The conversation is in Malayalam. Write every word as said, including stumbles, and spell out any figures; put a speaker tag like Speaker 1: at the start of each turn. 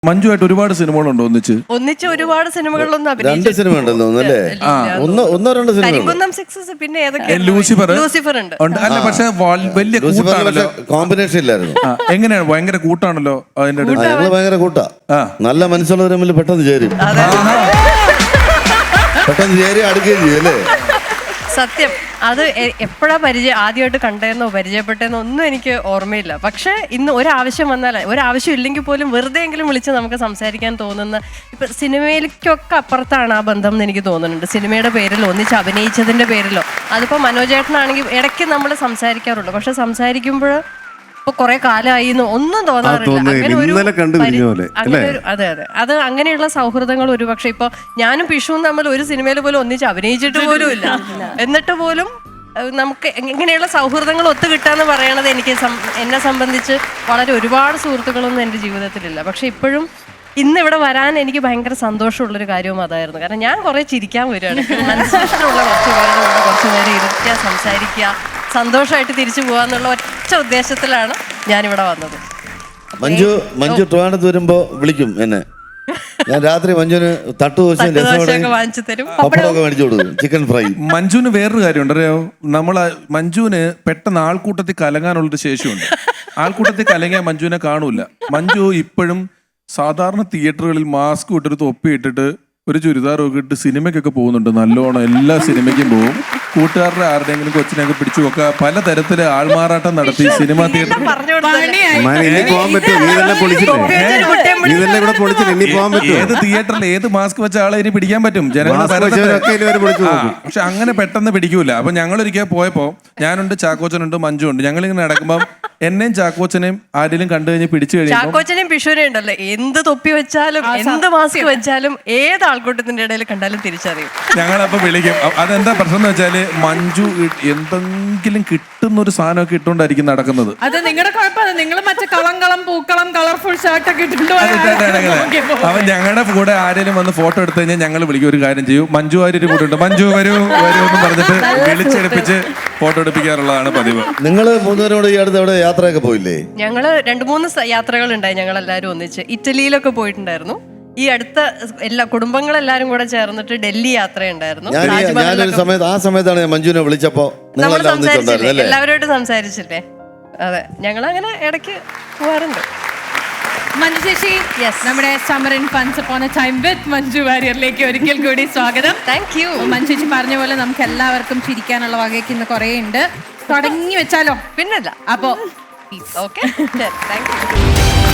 Speaker 1: മഞ്ജുവായിട്ട് ഒരുപാട് സിനിമകളുണ്ടോ ഒന്നിച്ച്?
Speaker 2: ഒന്നിച്ച് ഒരുപാട് സിനിമകളിലൊന്നും
Speaker 3: രണ്ട് സിനിമ ഉണ്ടെന്ന് തോന്നുന്നു അല്ലേ? ഒന്നോ ഒന്നോ രണ്ടോ സിനിമ.
Speaker 2: കരിങ്കുന്നം സിക്സസ് പിന്നെ ഏതൊക്കെ?
Speaker 1: ലൂസിഫർ
Speaker 2: ലൂസിഫർ ഉണ്ട്.
Speaker 1: അല്ല പക്ഷെ വലിയ കൂട്ടാണല്ലോ.
Speaker 3: കോമ്പിനേഷൻ ഇല്ലായിരുന്നു.
Speaker 1: എങ്ങനെയാണ്? ഭയങ്കര കൂട്ടാണല്ലോ അതിന്റെ ഇടയിൽ.
Speaker 3: ഞങ്ങള് ഭയങ്കര കൂട്ടാ. നല്ല മനസ്സുള്ളവർ തമ്മിൽ പെട്ടെന്ന് ചേരും, പെട്ടെന്ന് ചേരി അടുക്കുകയും ചെയ്യും അല്ലേ?
Speaker 2: സത്യം. അത് എപ്പോഴാ പരിചയം ആദ്യമായിട്ട് കണ്ടതെന്നോ പരിചയപ്പെട്ടെന്നോ ഒന്നും എനിക്ക് ഓർമ്മയില്ല. പക്ഷെ ഇന്ന് ഒരാവശ്യം വന്നാൽ, ഒരാവശ്യം ഇല്ലെങ്കിൽ പോലും വെറുതെ എങ്കിലും വിളിച്ച് നമുക്ക് സംസാരിക്കാൻ തോന്നുന്ന, ഇപ്പൊ സിനിമയിലേക്കൊക്കെ അപ്പുറത്താണ് ആ ബന്ധം എന്ന് എനിക്ക് തോന്നുന്നുണ്ട്. സിനിമയുടെ പേരിലോ ഒന്നിച്ച് അഭിനയിച്ചതിന്റെ പേരിലോ. അതിപ്പോ മനോജേട്ടനാണെങ്കിൽ ഇടയ്ക്ക് നമ്മൾ സംസാരിക്കാറുണ്ട്, പക്ഷെ സംസാരിക്കുമ്പോൾ ഇപ്പൊ കുറെ കാലമായി ഒന്നും തോന്നാറില്ല. അതെ അതെ, അത് അങ്ങനെയുള്ള സൗഹൃദങ്ങൾ ഒരുപക്ഷെ ഇപ്പൊ ഞാനും പിഷുവും തമ്മിൽ ഒരു സിനിമയിൽ പോലും ഒന്നിച്ച് അഭിനയിച്ചിട്ട് പോലും ഇല്ല. എന്നിട്ട് പോലും നമുക്ക് ഇങ്ങനെയുള്ള സൗഹൃദങ്ങൾ ഒത്തുകിട്ടാന്ന് പറയണത് എനിക്ക് എന്നെ സംബന്ധിച്ച് വളരെ ഒരുപാട് സുഹൃത്തുക്കളൊന്നും എൻ്റെ ജീവിതത്തിലില്ല. പക്ഷെ ഇപ്പോഴും ഇന്ന് ഇവിടെ വരാൻ എനിക്ക് ഭയങ്കര സന്തോഷമുള്ളൊരു കാര്യവും അതായിരുന്നു. കാരണം ഞാൻ കുറെ ചിരിക്കാൻ വരികയാണ്. മനസ്സിലുള്ള കുറച്ച് പേരുടെ കൂടെ കുറച്ച് നേരം ഇരുത്തുക, സംസാരിക്കുക, സന്തോഷമായിട്ട് തിരിച്ചു പോകാന്നുള്ള ഒറ്റ ഉദ്ദേശത്തിലാണ് ഞാനിവിടെ വന്നത്.
Speaker 3: മഞ്ജു മഞ്ജു ട്രിവാൻഡ്രത്ത് വരുമ്പോ വിളിക്കും എന്നെ. ഞാൻ രാത്രി മഞ്ജുവിന് തട്ടുദോശയും
Speaker 2: വാങ്ങിച്ചു തരും,
Speaker 3: പപ്പടമൊക്കെ മേടിച്ചു കൊടുക്കും, ചിക്കൻ ഫ്രൈ.
Speaker 1: മഞ്ജുവിന് വേറൊരു കാര്യമുണ്ട് അറിയോ? നമ്മള് മഞ്ജുവിന് പെട്ടെന്ന് ആൾക്കൂട്ടത്തിൽ കലങ്ങാനുള്ളൊരു ശേഷിയുണ്ട്. ആൾക്കൂട്ടത്തിൽ കലങ്ങിയാൽ മഞ്ജുവിനെ കാണൂല. മഞ്ജു ഇപ്പോഴും സാധാരണ തിയേറ്ററുകളിൽ മാസ്ക് ഇട്ടൊരു തൊപ്പി ഇട്ടിട്ട് ഒരു ചുരിദാറൊക്കെ ഇട്ട് സിനിമയ്ക്കൊക്കെ പോകുന്നുണ്ട്. നല്ലോണം എല്ലാ സിനിമയ്ക്കും പോകും. കൂട്ടുകാരുടെ ആരുടെയെങ്കിലും കൊച്ചിനെയൊക്കെ പിടിച്ചു വെക്കുക, പലതരത്തില് ആൾമാറാട്ടം നടത്തി സിനിമ തിയേറ്റർ. ഏത് തിയേറ്ററിൽ ഏത് മാസ്ക് വെച്ച ആളെ ഇനി പിടിക്കാൻ പറ്റും? ജനങ്ങളുടെ. പക്ഷെ അങ്ങനെ പെട്ടെന്ന് പിടിക്കൂല. അപ്പൊ ഞങ്ങളൊരിക്കൽ പോയപ്പോ ഞാനുണ്ട്, ചാക്കോച്ചനുണ്ട്, മഞ്ജു ഉണ്ട്. ഞങ്ങളിങ്ങനെ നടക്കുമ്പോൾ എന്നെയും ചാക്കോച്ചനെയും ആരെങ്കിലും കണ്ടു കഴിഞ്ഞ് പിടിച്ചു കഴിഞ്ഞാൽ
Speaker 2: ചാക്കോച്ചനെയും പിഷുവിനെയും ഉണ്ടല്ലോ, എന്ത് തൊപ്പി വെച്ചാലും എന്ത് മാസ്ക് വെച്ചാലും ഏത് ആൾക്കൂട്ടത്തിന്റെ ഇടയിൽ കണ്ടാലും തിരിച്ചറിയും.
Speaker 1: ഞങ്ങളപ്പോ വിളിക്കും. അതെന്താ പ്രശ്നം എന്ന് വെച്ചാല് മഞ്ജു എന്തെങ്കിലും കിട്ടുന്ന ഒരു സാധനമൊക്കെ ഇട്ടുകൊണ്ടായിരിക്കും നടക്കുന്നത്.
Speaker 4: അത് നിങ്ങളുടെ കുഴപ്പമില്ല. നിങ്ങൾ മറ്റേ കളങ്കളം പൂക്കളം കളർഫുൾ ഷർട്ടൊക്കെ ഇട്ടിട്ടുണ്ടോ?
Speaker 1: അവൻ ഞങ്ങളുടെ കൂടെ ആരെങ്കിലും വന്ന് ഫോട്ടോ എടുത്തു കഴിഞ്ഞാൽ ഞങ്ങൾ വിളിക്കും. ഒരു കാര്യം ചെയ്യും, മഞ്ജു ആരും കൂടെ ഉണ്ട്, മഞ്ജു വരൂ വരൂ എന്ന് പറഞ്ഞിട്ട് വിളിച്ചെടുപ്പിച്ച് ഫോട്ടോ എടുപ്പിക്കാറുള്ളതാണ് പതിവ്.
Speaker 3: നിങ്ങള് മൂന്നുപേരോട് ഈ അടുത്ത് എവിടെ യാത്രയൊക്കെ പോയില്ലേ?
Speaker 2: ഞങ്ങള് രണ്ടു മൂന്ന് യാത്രകൾ ഉണ്ടായി. ഞങ്ങൾ എല്ലാവരും ഒന്നിച്ച് ഇറ്റലിയിലൊക്കെ പോയിട്ടുണ്ടായിരുന്നു. ഈ അടുത്ത എല്ലാ കുടുംബങ്ങളെല്ലാരും കൂടെ ചേർന്നിട്ട് ഡൽഹി യാത്രയുണ്ടായിരുന്നു.
Speaker 3: ഞാനൊരു സമയത്ത് ആ സമയത്താണ് ഞാൻ മഞ്ജുവിനെ വിളിച്ചപ്പോ
Speaker 2: നമ്മൾ സംസാരിച്ചില്ലേ, എല്ലാവരുമായിട്ട് സംസാരിച്ചില്ലേ? അതെ, ഞങ്ങൾ അങ്ങനെ ഇടയ്ക്ക് പോവാറുണ്ട്.
Speaker 4: മഞ്ജു ചേച്ചി, നമ്മുടെ summer in funs upon a time with Manju വാര്യറിലേക്ക് ഒരിക്കൽ കൂടി സ്വാഗതം.
Speaker 2: Thank you.
Speaker 4: മഞ്ജു ചേച്ചി പറഞ്ഞ പോലെ നമുക്ക് എല്ലാവർക്കും ചിരിക്കാനുള്ള വകയ്ക്ക് ഇന്ന് കുറേ ഉണ്ട്. തുടങ്ങി വെച്ചാലോ?
Speaker 2: പിന്നല്ല.
Speaker 4: അപ്പോ
Speaker 2: ഓക്കെ, താങ്ക് യു.